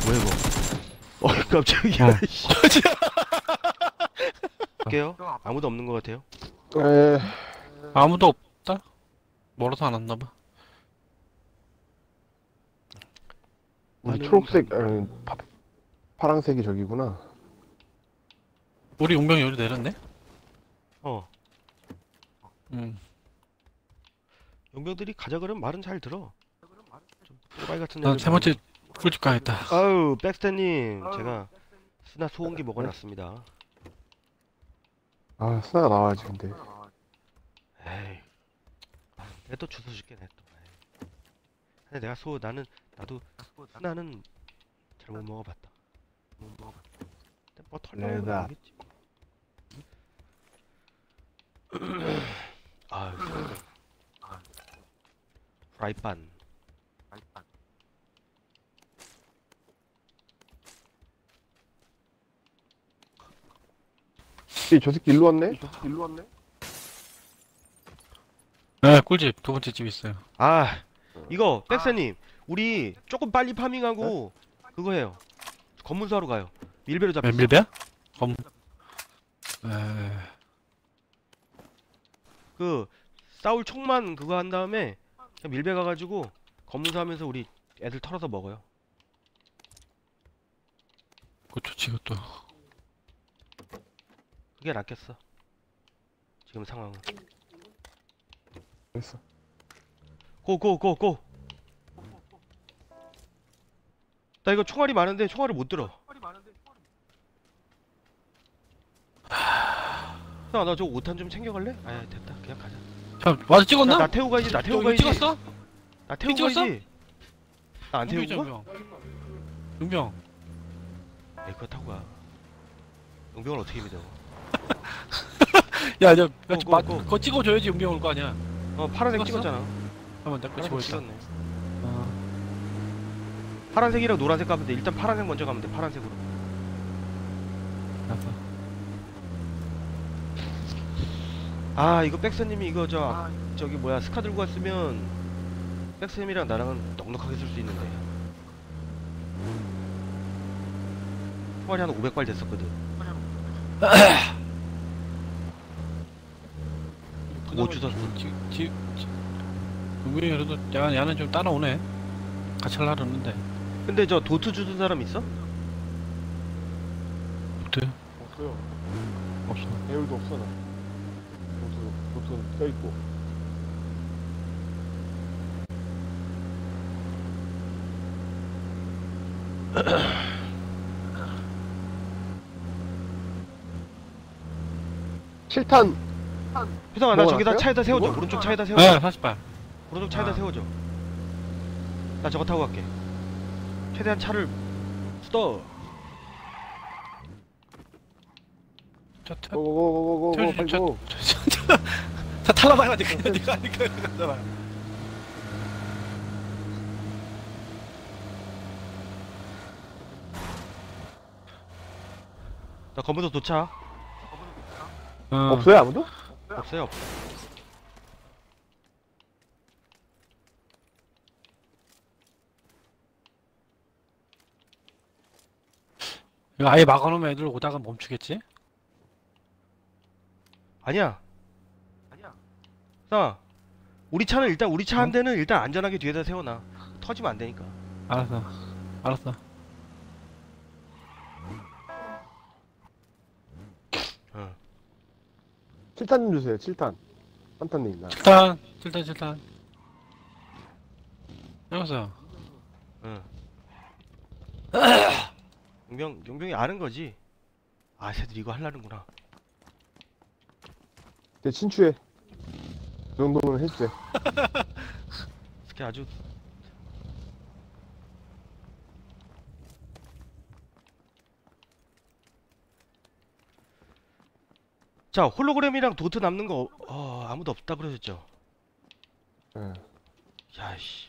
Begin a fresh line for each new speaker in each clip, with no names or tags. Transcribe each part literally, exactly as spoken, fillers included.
뭐야 이거? 어 깜짝이야.
어.
씨. 할게요. 아무도 없는 것 같아요.
에,
아무도 없다? 멀어서 안 왔나봐.
우리
나는
초록색, 아니, 파, 파랑색이 저기구나.
우리 용병이 여기 내렸네?
어
응.
용병들이 가자 그러면 말은 잘 들어. 좀 또라이 같은
난
애들
세 번째 꿀집 가야겠다.
아유 백스터님 제가 스나 소음기 먹어놨습니다.
아, 스나가 나와야지, 근데.
에이 내가 또 주워 줄게 내가 또. 에이. 근데 내가 소 나는 나도 스나는 잘못 먹어봤다. 못 먹어봤다. 근데 뭐 털려면
내가.
알겠지. 아유 프라이pan.
이, 저 새끼 일로 왔네? 저 새끼 일로 왔네?
네, 꿀집 두 번째 집 있어요.
아 이거 백스님 우리 조금 빨리 파밍하고 그거 해요. 검문소 하러 가요. 밀배로 잡혔어.
밀배야? 검. 에...
그 싸울 총만 그거 한 다음에 그냥 밀배 가가지고 검문소 하면서 우리 애들 털어서 먹어요.
그거 좋지, 그것도.
그게 낫겠어. 지금 상황은.
됐어.
고고고고. 나 이거 총알이 많은데 총알을 못 들어. 야, 나 저 오탄 좀 챙겨갈래? 아, 됐다. 그냥 가자.
자, 와서 찍었나?
나, 나 태우고 가야지. 나 태우고
여기
가야지.
찍었어?
나 태우고
찍었어?
가야지. 나 안 태우고 가?
용병. 용병.
에이, 그거 타고 가. 용병을 어떻게 믿어?
야, 저,
고,
저,
고,
마,
고.
그거 찍어줘야지 용병 올 거 아니야.
어, 파란색
찍었어?
찍었잖아.
한번 내거
파란색
찍어야겠다.
찍었네.
어,
파란색이랑 노란색 가면 돼. 일단 파란색 먼저 가면 돼. 파란색으로.
알았어.
아, 이거 백서님이 이거 저 아, 저기 뭐야 스카 들고 왔으면 백서님이랑 나랑은 넉넉하게 쓸 수 있는데. 총알이 한 오백 발 됐었거든. 뭐 주웠어?
지, 지, 지, 용병이 그래도 야, 야는 좀 따라오네. 같이 하려고 했는데.
근데 저 도트 주는 사람 있어?
어때?
없어요.
없어.
배율도 없어, 나. 도트, 도트는 껴있고. 칠탄!
효성아 나
먹어놨어요?
저기다 차에다 세워줘.
이거?
오른쪽 차에다 세워줘.
네, 사십 발.
오른쪽 차에다
아.
세워줘. 나 저거 타고 갈게. 최대한 차를 스톱.
자, 타,
고고고고고고,
태워주지,
빨리
저-
고.
다 탈라봐야지. 그냥 네가 하니까 가잖아.
나 검은도 도착.
어.
없어요, 아무도?
없어요. 없어.
이거 아예 막아놓으면 애들 오다가 멈추겠지?
아니야. 아니야. 나 우리 차는 일단 우리 차 한
응?
대는 일단 안전하게 뒤에다 세워놔. 터지면 안 되니까.
알았어. 알았어.
어.
칠탄 좀 주세요, 칠탄. 한탄님, 나.
칠탄, 칠탄, 칠탄. 여기서.
응. 용병 용병이 아는 거지. 아, 쟤들 이거 하려는구나.
제 친추해. 그 정도는 해주세요.
이렇게 아주. 자, 홀로그램이랑 도트 남는 거 어, 어, 아무도 없다 그러셨죠?
예.
야씨.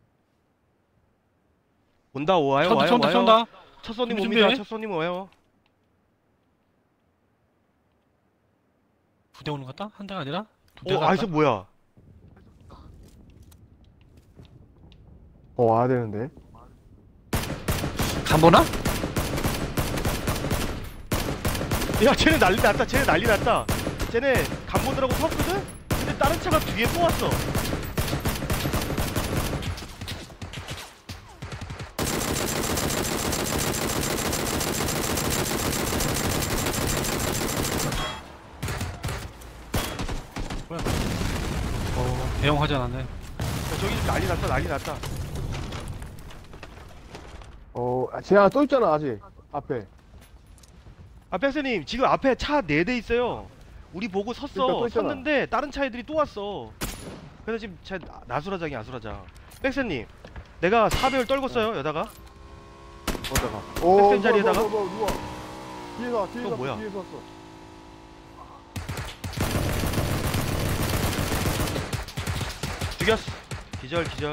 온다 와요
쏜다,
와요
쏜다,
와요.
쏜다.
첫 손님
준비,
옵니다.
준비.
첫 손님 와요.
두 대 오는 것 같다? 한 대가 아니라? 두
어,
대가
아, 저 뭐야?
어, 와야 되는데.
가만 안 보나?
야 쟤네 난리 났다. 쟤네 난리 났다. 쟤네 간 보느라고 섰거든? 근데 다른 차가 뒤에 또 왔어.
어, 대형 화재 났네.
야, 저기 좀 난리 났다. 난리 났다.
어, 아, 쟤 하나 또 있잖아, 아직. 앞에.
아 백스님 지금 앞에 차 네 대 있어요. 우리 보고
그러니까
섰어.
또 있잖아.
섰는데 다른 차 애들이 또 왔어. 그래서 지금 차 나- 나수라장이 아수라장. 백스님 내가 사 배율 떨궜어요 여다가.
어디다가. 오,
백센 자리에다가?
누가, 누가, 누가. 뒤에서 와, 뒤에서
그거
왔어,
뭐야?
뒤에서 왔어.
죽였어. 기절 기절.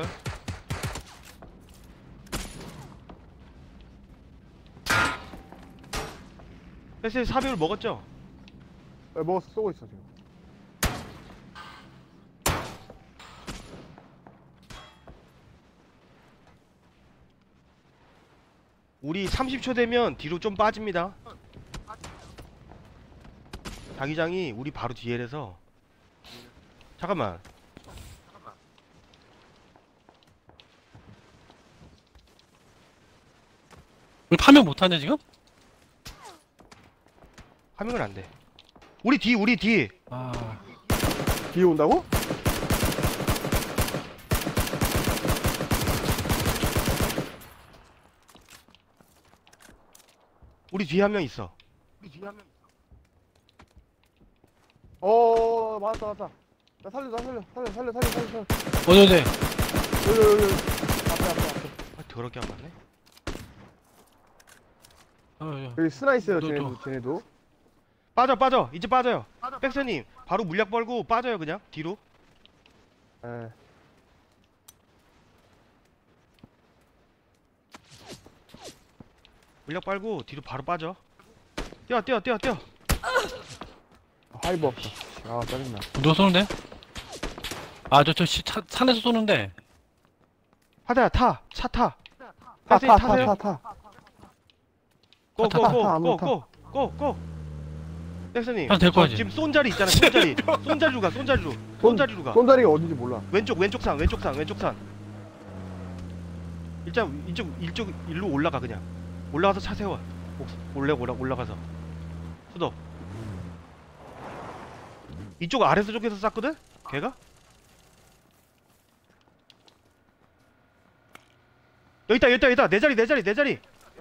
백스님 사 배율 먹었죠?
네, 먹었어, 쏘고 있어, 지금.
우리 삼십 초 되면 뒤로 좀 빠집니다. 자기장이 우리 바로 뒤에라서. 잠깐만.
우리 파면 못하냐 지금?
하면 안 돼. 우리 뒤 우리 뒤.
아,
뒤에 온다고?
우리 뒤에 한 명 있어.
어, 맞았다, 맞았다. 나 살려, 나 살려, 살려, 살려, 살려, 살려, 살려.
어디 어디?
여기, 여기, 여기. 앞에, 앞에, 앞에.
아, 더럽게 안 맞네.
어, 어.
여기 스나 있어요,
너,
쟤네도,
너.
쟤네도.
빠져 빠져. 이제 빠져요. 백서님 바로 물약 벌고 빠져요 그냥 뒤로.
예.
물약 빨고 뒤로 바로 빠져. 뛰어 뛰어 뛰어 뛰어.
하이브 없다. 아, 짜증나.
누가 쏘는데? 아, 저, 저, 시, 차, 산에서 쏘는데.
하다야 타. 차 타.
타,
백서님
타, 타,
타세요.
타, 타.
고
타,
고
타,
고
타,
고
타.
고 고 고. 백서님
아, 될
저
거지.
지금 쏜 자리 있잖아. 쏜 자리. 쏜 자리로 가. 쏜 자리로. 쏜 자리로 가.
손자리가 어딘지 몰라.
왼쪽 왼쪽 산 왼쪽 산 왼쪽 산. 일단 이쪽 이쪽 일로 올라가 그냥. 올라가서 차 세워. 올라 올라 올라가서. 수도. 이쪽 아래서 쪽에서 쐈거든? 걔가? 여기 있다 여기 있다 여기 있다 내 자리 내 자리 내 자리.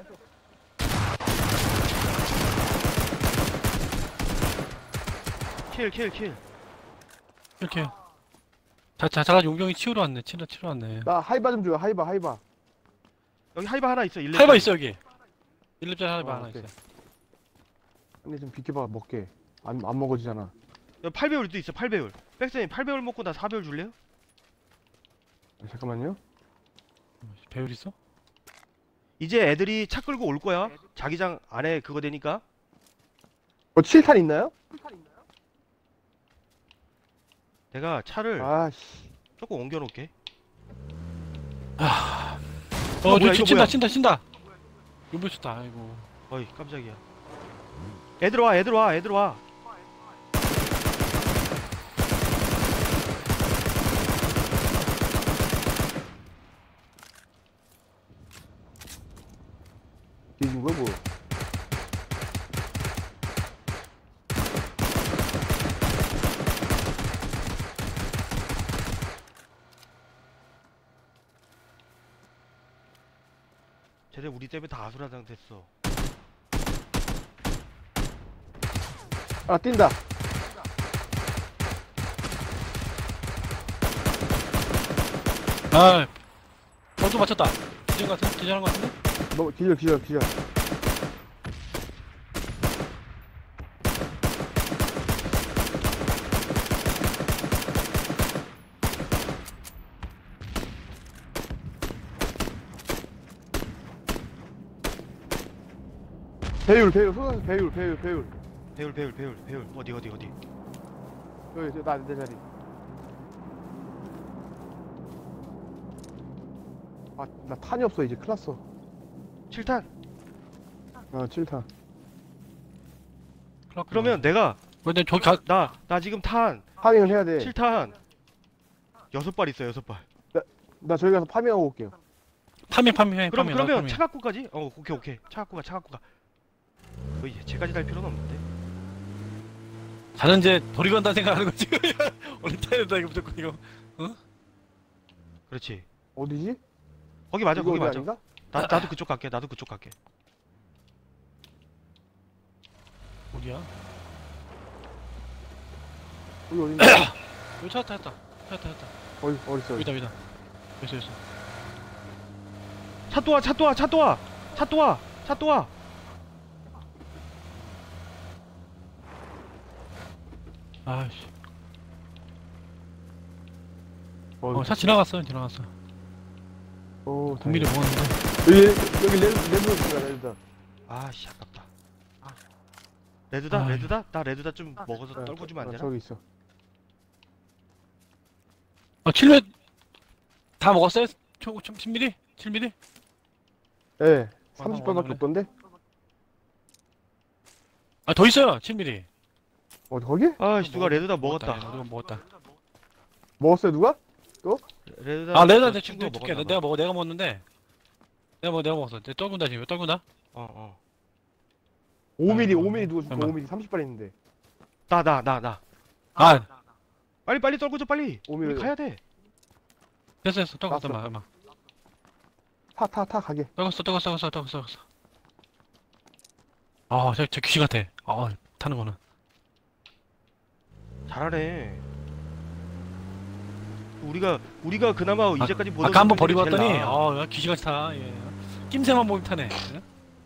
킬 킬 킬.
이렇게. 자, 자, 잠깐 용병이 치우러 왔네. 치러, 치러 왔네.
나 하이바 좀 줘요, 하이바, 하이바.
여기 하이바 하나 있어. 일렙
하이바 있어, 여기. 일 렙짜리 하이바
어,
하나
오케이.
있어.
아니, 좀 비켜봐, 먹게. 안, 안 먹어지잖아.
여기 팔 배율도 있어. 팔 배율. 백선님 팔 배율 먹고 나 사 배율 줄래요?
아, 잠깐만요.
배율 있어?
이제 애들이 차 끌고 올 거야. 자기장 안에 그거 되니까.
어, 칠 탄 있나요?
내가 차를
아, 씨.
조금 옮겨 놓을게.
어,
뭐야,
저,
이거
친다,
뭐야?
친다, 친다. 용병 쳤다, 아이고.
어이 깜짝이야. 애들 와 애들 와 애들 와.
뒤진 거야, 뭐.
쟤네 우리 때문에 다 아수라장 됐어.
아, 뛴다.
아, 벌써 맞췄다. 기절 같은, 기절한 것 같은데?
너, 기절, 기절, 기절. 배율, 배율, 소선 배율, 배율, 배율.
배율 배율 배율 배율 어디 어디 어디.
여기, 저, 나, 내 자리. 아, 나 탄이 없어, 이제. 큰일 났어.
칠 탄.
어, 칠 탄.
그러면 내가
근데 저기 가
나 나 지금 탄
파밍을 해야 돼.
칠 탄 여섯 발 있어 여섯 발.
나 저기 가서 파밍하고 올게요.
파밍 파밍 해.
그럼
파밍,
그러면
파밍.
차 갖고 가지? 어 오케이 오케이 차 갖고 가차 갖고 가. 뭐 이제 제까지 달 필요는 없는데.
자는 이제 버리고 간다는 생각하는 거지. 원래 타야 된다 이거 무조건 이거.
그렇지.
어디지?
거기 맞아
이거
거기
어디
맞아.
아닌가?
나 나도 그쪽 갈게 나도 그쪽 갈게.
어디야?
여기 어딘가?
여기 찾았다 찾았다 찾았다 찾았다.
어디 어디 있어?
여기다 여기다. 여기 있어.
차 또 와 차 또 와 차 또 와 차 또 와 차 또 와.
아씨.
어디?
어, 차 지나갔어 지나갔어.
어,
국미를
다행이다.
먹었는데.
여기 여기 레드 레드 있다 레드.
아씨 아깝다. 레드다
아이.
레드다 나 레드다 좀 먹어서
아,
떨궈주면 안
아,
되나?
저기 있어.
어 칠 몇 다 먹었어요? 총 십 밀리? 칠 밀리?
예.
아,
삼십
어,
발밖에
그래.
없던데?
아 더 있어요 칠 밀리.
어디 거기?
아씨 누가 레드다 먹었다.
누가 먹었다.
먹었어요 누가?
레드다
아 레드한테
친
친구 줄게. 내가 먹어 내가 먹었는데. 내가 먹어 내가 먹었어. 내가 떨군다 지금 떨군다.
어어
오 밀리
아,
오 밀리 누가 줄까?
잠깐만.
오 밀리 삼십 발 있는데.
나 나 나 나
아
빨리 빨리 떨궈줘 빨리.
오
우리
밀리.
가야 돼.
됐어 됐어 떨궜어
났어.
마 마.
타 타 타 가게.
떨궜어 떨궜어 떨궜어 떨궜어 떨궜어. 아저 저 귀신 같아. 아 타는 거는.
잘하네. 우리가 우리가 그나마 이제까지 보던
아까 한번
놈들
버리고
중에 제일
왔더니
나아.
아 귀신같이 타. 예. 낌새만 보면 타네. 예?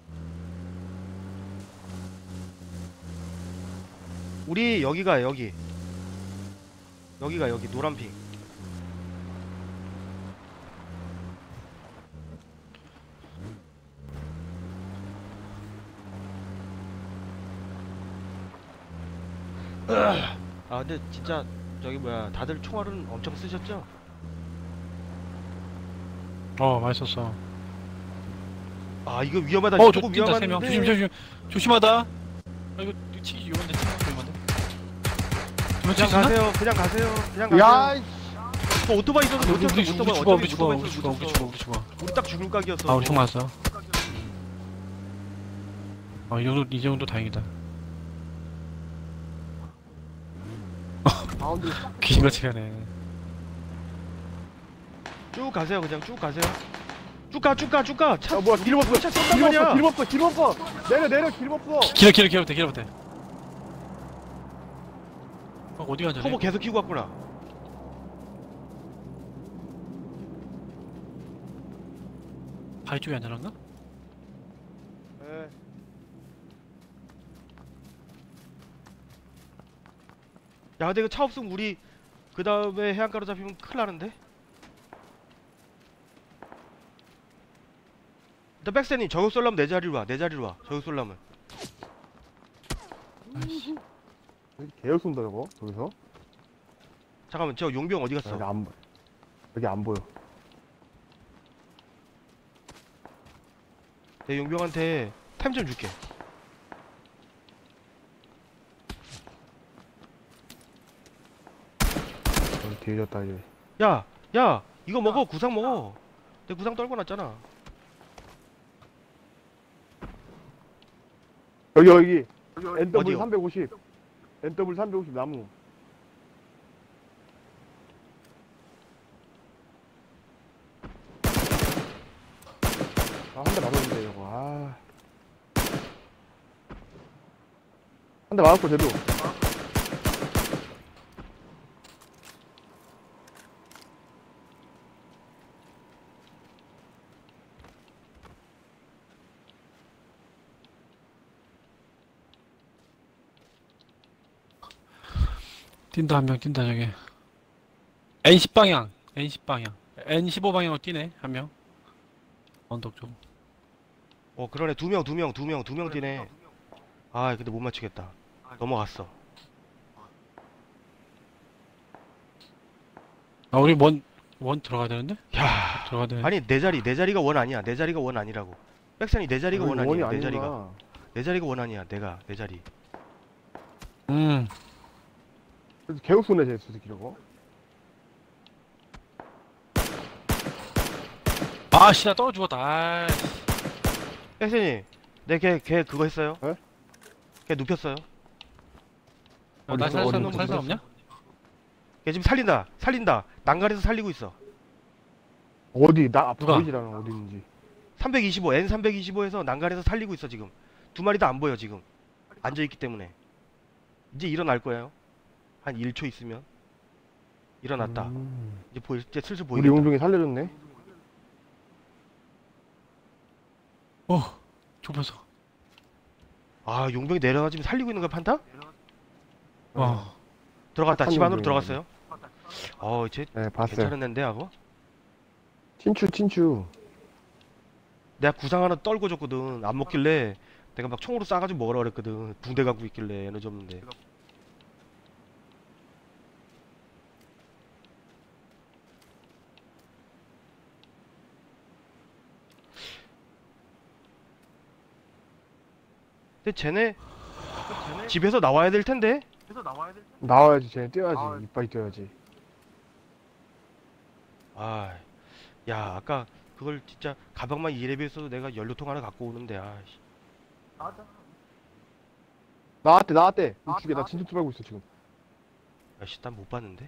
우리 여기가 여기 여기가 여기 노란핑. 아 근데 진짜 저기 뭐야 다들 총알은 엄청 쓰셨죠?
어 맛있었어.
아 이거 위험하다.
어
조금
저 뛴다 세 명.
위험한데.
조심 조심 조심하다. 아 이거 이거 치기 위험한데 치기 위험한데. 두명
그냥
치나?
가세요. 그냥 가세요. 그냥 가세요.
야, 이
그 오토바이 있어서
우리
못
우리
쳤어.
우리
오토바이
죽어 우리
어차피
죽어
오토바이
우리
있어서
죽어
못
우리
쳤어.
죽어 우리 죽어.
우리 딱 죽을 각이었어.
아 우리 총 맞았어. 아이 정도 이 정도 다행이다.
가운데
귀신같이 가네.
쭉 가세요. 그냥 쭉 가세요. 쭉 가, 쭉 가, 쭉 가. 차,
야 뭐야 길 없어.
차 쏜단
길 없어.
말이야.
길 없어. 길 없어. 내려 내려 길 없어.
길어 길어 길어 못해 길어 못해. 어, 어디 가자?
터보 계속 키고 갔구나.
바위 쪽에 앉아놨나?
예.
야, 근데 이거 차 없으면 우리 그 다음에 해안가로 잡히면 큰일 나는데? 일단 백세님 저격 쏠라면 내 자리로 와. 내 자리로 와. 저격 쏠라면.
아이씨.
여기 개열 쏜다 저거. 저기서.
잠깐만, 저 용병 어디
여기
갔어?
안 보. 여기 안 보여.
내 용병한테 타임 좀 줄게.
여기 뒤졌다 이제.
야, 야, 이거 먹어. 구상 먹어. 내 구상 떨궈 놨잖아.
여기 여기. 엔더블
어디요?
삼백오십. 엔더블 삼백오십 나무. 아, 한 대 맞았는데, 이거. 아. 한 대 맞았고, 쟤도.
뛴다 한 명 뛴다 저기. 엔 십 방향 엔 십 방향 엔 십오 방향으로 뛰네 한 명. 언덕 쪽.
어, 그러네. 두 명, 두 명, 두 명, 두 명 뛰네. 아, 근데 못 맞추겠다. 넘어갔어.
아 우리 원 원 들어가야 되는데?
야,
들어가야 되는데.
아니 내 자리, 내 자리가 원 아니야. 내 자리가 원 아니라고. 백선이 내 자리가
원이
원한이야. 내 자리가.
아니구나.
내 자리가 원한이야. 내가 내 자리.
음.
그래도 개우 쏘네 쟤 수수키 저거.
아씨 나 떨어 죽었다. 아이씨.
백선이 내걔걔 그거 했어요?
에?
걔 눕혔어요.
나
어디 있어?
살살
어디
놈
있어?
살살
어디
없냐?
걔 지금 살린다. 살린다. 난간에서 살리고 있어.
어디 나
누가?
보이질 않아 어디 있는지.
삼백이십오 엔 삼백이십오에서 난간에서 살리고 있어 지금. 두 마리 다 안 보여 지금. 앉아 있기 때문에. 이제 일어날 거예요. 한 일 초 있으면 일어났다.
음.
이제 보일 이제 슬슬
우리
보이겠다.
용종이 살려줬네.
어. 좁혀서.
아 용병이 내려가지고 살리고 있는 거야 판타?
어.
들어갔다.
착한
집 안으로
용병이네.
들어갔어요. 어 이제
네 봤어요.
괜찮은 앤데 하고.
친추 친추.
내가 구상 하나 떨고 줬거든. 안 먹길래 내가 막 총으로 쏴가지고 먹으라 그랬거든. 붕대 갖고 있길래 에너지 없는데. 근데 쟤네 집에서 나와야 될 텐데.
나와야지 쟤네 뛰어야지. 이빨이 뛰어야지.
아, 야 아까 그걸 진짜 가방만 이 렙이었어도 내가 연료통 하나 갖고 오는데. 아씨.
나왔대 나왔대. 우측에 나 진짜 투발고 있어 지금.
야씨 난 못 봤는데.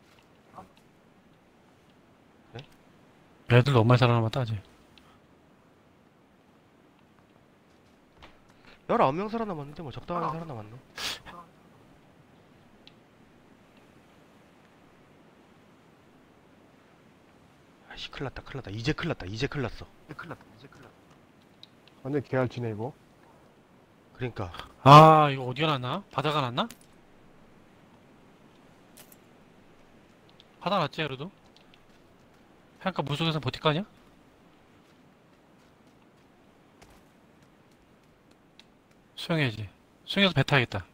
애들 너무 많이 살아남았다 아직.
열아홉 명 살아남았는데 뭐 적당하게 살아남았네. 아씨 큰일났다 큰일났다 이제 큰일났다 이제 큰일났어.
완전 개알치네 이거.
그러니까
아 이거 어디가 났나? 바다가 났나? 바다 났지 그래도? 해안가 물속에서 버틸 거 아니야? 수영해야지. 수영해서 배 타야겠다.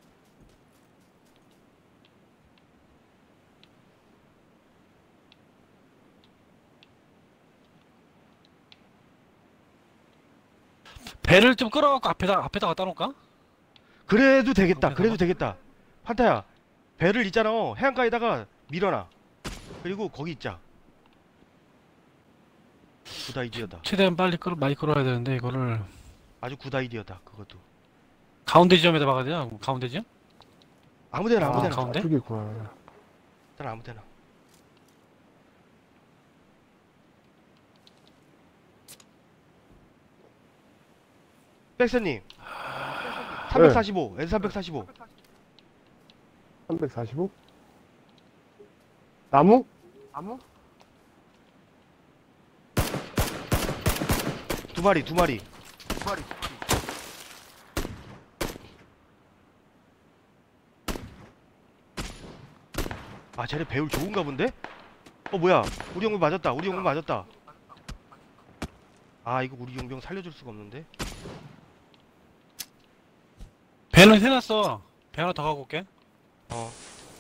배를 좀 끌어갖고 앞에다 앞에다 갖다 놓을까?
그래도 되겠다
거기다가?
그래도 되겠다. 판타야 배를 있잖아 해안가에다가 밀어놔. 그리고 거기 있자. 굿 아이디어다.
최대한 빨리 끌어 많이 끌어야 되는데 이거를
아주 굿 아이디어다 그것도.
가운데 지점에다 박아야 되나? 가운데 지점?
아무데나
아,
아무데나
가운데?
저쪽에 있구나.
일단 아무데나. 백선님 삼백사십오 엔 삼백사십오.
삼백사십오? 나무? 나무?
두 마리 두 마리. 아 쟤네 배울 좋은가 본데? 어 뭐야 우리 용병 맞았다 우리 용병 맞았다. 아 이거 우리 용병 살려줄 수가 없는데.
배는 해놨어. 배 하나 더 갖고 올게.
어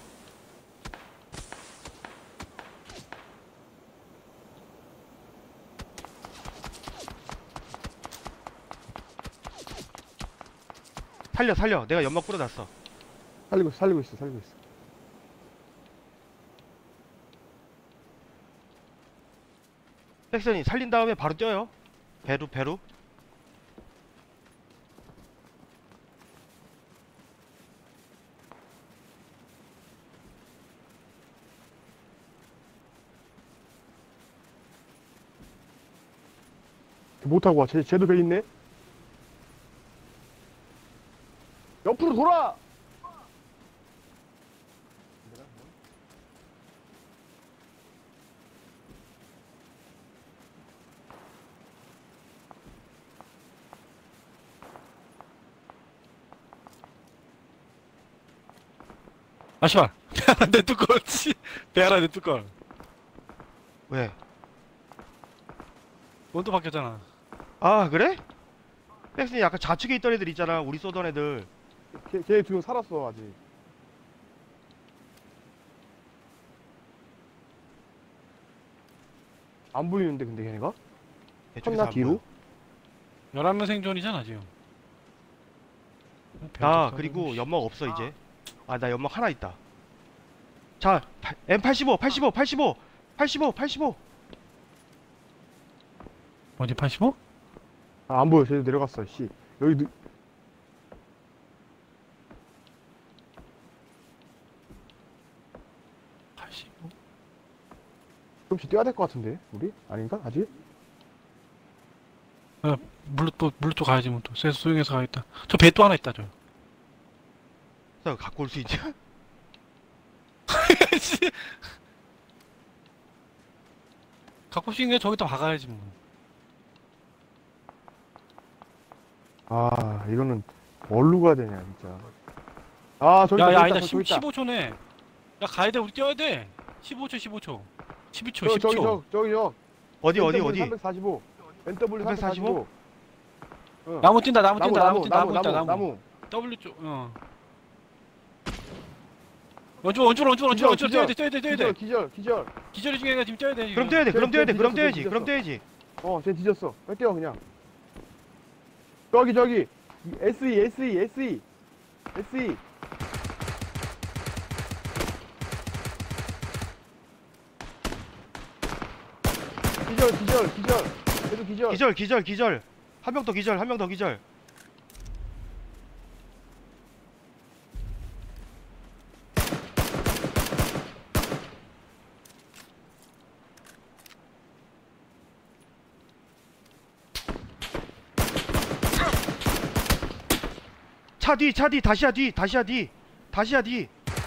살려 살려 내가 연막 뿌려놨어.
살리고 있어 살리고 있어 살리고 있어.
백선이 살린 다음에 바로 뛰어요. 배로 배로.
못하고 와. 쟤, 쟤도 배 있네? 옆으로 돌아!
아 씨발. 배 하나 내 뚜껑. 씨. 배 하나 내 뚜껑.
왜?
원도 바뀌었잖아.
아 그래? 백선이 약간 좌측에 있던 애들 있잖아 우리 쏘던 애들.
걔, 걔 두 명 살았어 아직. 안 보이는데 근데 걔네가?
이쪽에서
쳤나
안
뒤로?
보여.
열한 명 생존이잖아 지금.
아 그리고 연막 없어 이제. 아 나 연막 하나 있다. 자 엠 팔십오 팔십오 팔십오 팔십오 팔십오.
어디 팔십오?
아, 안 보여. 쟤도 내려갔어. 씨. 여기 누...
팔십오?
좀씩 뛰어야 될 것 같은데. 우리? 아닌가? 아직?
물로 또 물로 또 가야지 뭐 또. 쇠 수용해서 가야겠다. 저 배 또 하나 있다 저.
나 갖고 올 수 있냐?
갖고 싶은 게 저기다 박아야지 뭐.
아, 이거는 뭘로 가야 되냐, 진짜. 아, 저기
야야
있다,
아니다.
저기 있다.
십오 초네. 야 가야 돼. 우리 뛰어야 돼. 십오 초 십오 초. 십이 초
저,
십 초.
저기, 저, 저기, 저.
어디 어디 어디?
삼백사십오. 엔 더블유 삼백사십오. 응.
나무 뛴다. 나무
나무,
뛴다. 나무
나무,
뛴다. 나무
나무,
있다.
나무,
나무.
나무.
W 쪽. 어. 원줄 원줄 원줄 원줄
기절,
원줄 뛰어야 돼. 뛰어야 돼. 뛰어야
기절,
돼.
기절, 기절.
기절이 중에 지금 뛰어야 돼. 지금.
그럼 뛰어야 돼. 그럼
쟤,
뛰어야 돼.
쟤
그럼
뒤졌어,
뛰어야지.
쟤
그럼
뒤졌어.
뛰어야지.
어, 쟤 뒤졌어. 빨리 뛰어, 그냥. 저기, 저기. 에스이, 에스이, 에스이. 에스이. 기절, 기절, 기절. 계속 기절.
기절 기절 기절. 한 명 더 기절. 한 명 더 기절. 차 뒤, 차 뒤, 다시야 뒤, 다시야 뒤, 다시야 뒤.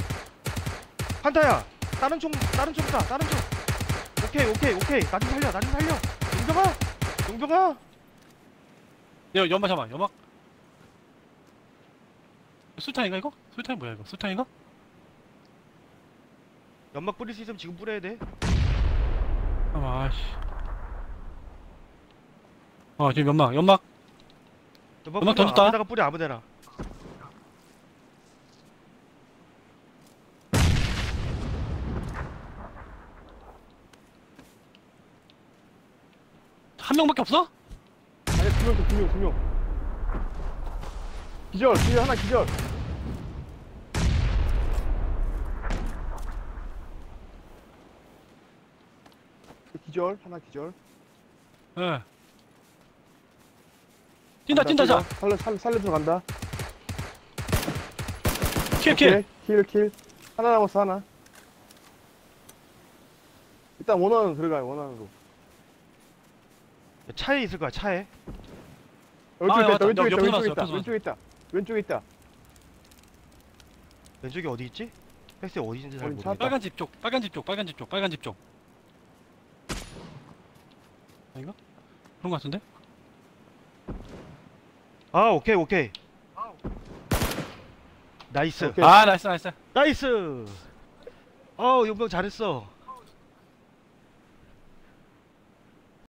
한타야, 다른 총, 다른 총다, 다른 총. 오케이, 오케이, 오케이. 나 좀 살려, 나 좀 살려. 용병아, 용병아.
야 연막 잡아. 연막. 술탄인가 이거? 술탄이 뭐야 이거? 술탄인가?
연막 뿌릴 수 있으면 지금 뿌려야 돼.
아 씨. 어 지금 연막 연막.
연막,
연막
뿌려,
던졌다.
아무데나 뿌려, 아무데나.
한 명밖에 없어?
아니, 두 명, 두 명, 두 명. 기절, 기절, 하나 기절. 기절, 하나 기절.
예. 뛴다
간다,
뛴다 자.
살려, 살려, 살려 들어간다.
킬 킬.
오케이, 킬, 킬. 하나 남았어, 하나. 일단 원하는 들어가요, 원하는으로.
차에 있을 거야, 차에.
왼쪽에
아,
있다,
맞다.
왼쪽에 있다,
옆에서
왼쪽에
봤어,
있다,
옆에서
왼쪽에 있다. 왼쪽에 있다.
왼쪽에 어디 있지? 백스 어디 있는지 잘
어디
모르겠다.
찾았다.
빨간 집 쪽. 빨간 집 쪽. 빨간 집 쪽. 빨간 집 쪽. 아닌가? 그런 거 같은데?
아, 오케이, 오케이. 나이스.
오케이.
아 나이스 나이스.
나이스. 어, 용병 잘했어.